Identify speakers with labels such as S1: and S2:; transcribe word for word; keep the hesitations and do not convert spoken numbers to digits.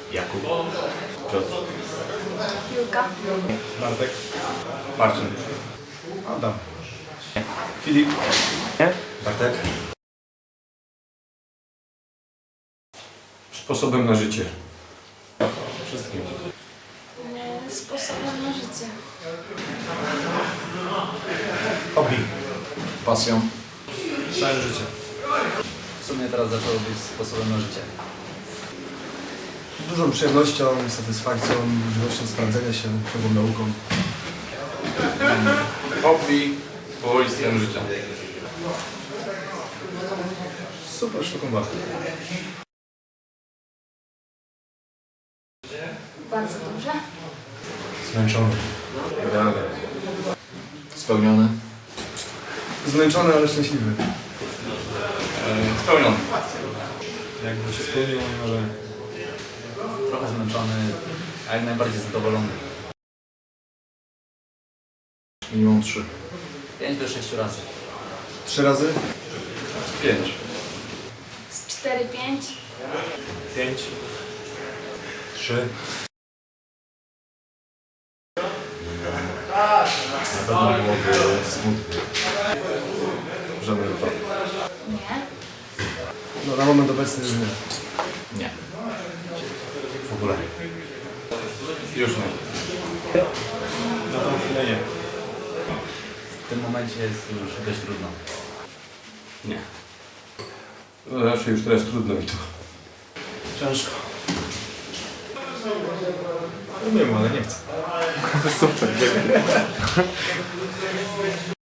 S1: Jakub. Piotr.
S2: Julka.
S3: Bartek.
S1: Marcin.
S3: Adam. Filip.
S1: Nie? Bartek. Sposobem na życie. Wszystkim.
S2: E, Sposobem na życie.
S1: Hobby.
S4: Pasją.
S3: Całe życie.
S4: W sumie teraz zaczęło być sposobem na życie.
S3: Dużą przyjemnością, satysfakcją, możliwością sprawdzenia się, ciągłą nauką.
S1: Hobby. Powoli styl życia.
S3: Super sztuką walki.
S2: Bardzo dobrze.
S3: Zmęczony.
S1: Idealnie.
S4: Spełniony.
S3: Zmęczony, ale szczęśliwy.
S1: E, Spełniony.
S3: Jakby się spełniło moje marzenie.
S4: Trochę zmęczony, a jak najbardziej zadowolony.
S3: Minimum trzy.
S4: pięć do sześciu razy.
S3: Trzy razy?
S1: Pięć.
S2: Z cztery pięć.
S3: Pięć. Trzy. Na pewno byłoby smutno. Żaden wypadek.
S2: Nie.
S3: No na moment obecny już nie.
S4: Nie.
S3: W ogóle.
S1: Już nie.
S3: Na tą chwilę nie.
S4: W tym momencie jest już dość trudno.
S1: Nie. No, raczej już teraz trudno mi to.
S3: Ciężko. Umiem, ale nie chcę.
S1: Super, dziękuję.